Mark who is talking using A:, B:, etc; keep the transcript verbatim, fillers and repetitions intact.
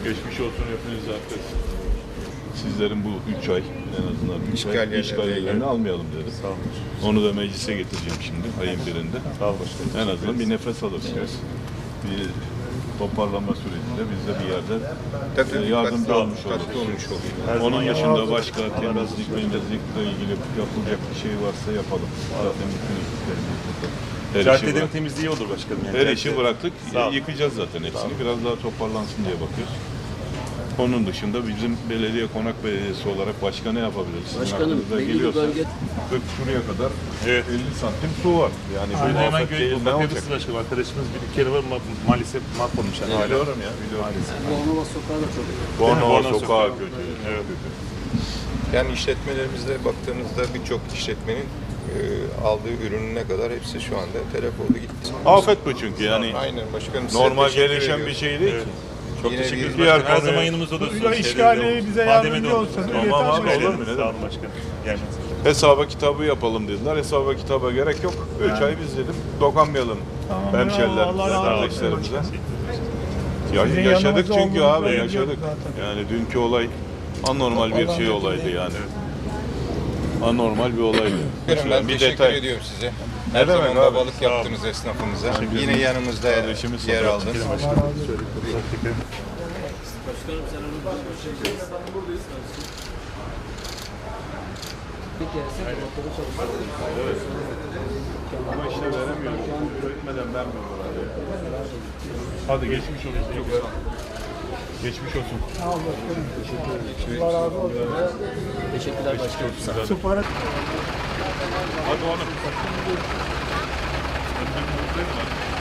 A: Geçmiş olsun hepiniz arkadaşlar. Sizlerin bu üç ay en azından üç ay işgallerini almayalım dedim. Sağ olun. Onu da meclise getireceğim şimdi ayın birinde. Sağ olun. En azından bir nefes alırsınız. Bir toparlanma sürecinde biz de bir yerde Tabii, yardımcı olmuş oluruz. Onun dışında başka temizlik, temizlikle ilgili yapılacak bir şey varsa yapalım. Zaten bütün ekiplerimiz burada.
B: Caddenin temizliği olur başkanım. Yani.
A: Her işi bıraktık, yıkacağız zaten hepsini. Biraz daha toparlansın diye bakıyoruz. Onun dışında bizim belediye, Konak Belediyesi olarak başka ne yapabiliriz?
C: Başkanım, belli bir bölge...
A: kırk şuraya kadar
B: evet.
A: elli santim su var. Yani bu
B: hemen
A: afet değil, ne olacak?
B: Başkanım, arkadaşımız bir kere var ma maalesef mahvolmuş. Yani
A: evet, biliyorum ya, biliyorum.
C: Bornova Sokağı da çok.
A: Bornova Sokağı kötü.
B: Evet.
D: Yani işletmelerimizde baktığınızda birçok işletmenin e, aldığı ürününe kadar hepsi şu anda telef oldu gitti.
A: Afet bu çünkü yani.
D: Aynen başkanım.
A: Normal gelişen bir şey değil
B: evet.
A: ki.
B: Çok
D: Yine
B: teşekkür ederiz.
D: bir-
B: Her zaman konuya... yanımızda olursunuz.
E: İşgali bize yardımcı olsanız
A: Tamam
E: yeter.
A: abi, olur mu? Ne
B: Sağ olun
A: demek?
B: başkanım. Gelmez.
A: Hesaba kitabı yapalım dediler. Hesaba kitaba gerek yok. Üç ay biz dedim dokanmayalım
E: Tamam,
A: hemşerilerimize,
E: Allah razı olsun.
A: kardeşlerimize. Ya,
E: Sizin
A: yaşadık
E: yanınızda
A: çünkü
E: olduğunuzu
A: abi
E: biliyoruz
A: yaşadık.
E: zaten.
A: Yani dünkü olay anormal bir şey olaydı yani. Anormal bir olaydı.
D: Ben
A: bir
D: teşekkür
A: detay.
D: ediyorum size.
A: Ne
D: Her
A: demek
D: zaman
A: abi?
D: babalık yaptınız esnafımıza. Yine yanımızda
A: Kardeşimiz
D: yer
A: sokak.
D: aldınız.
C: Başkanım sen onu buradayız. Bir keresi motoru çalıştırdım.
A: Evet. Ama işte veremiyorum. Üretmeden vermiyorlar abi. Hadi geçmiş olsun. Çok sağ ol. Geçmiş olsun.
E: Sağ ol başkanım. Allah razı olsun.
C: Teşekkürler başkanım.
E: Spora
A: Hadi oğlum.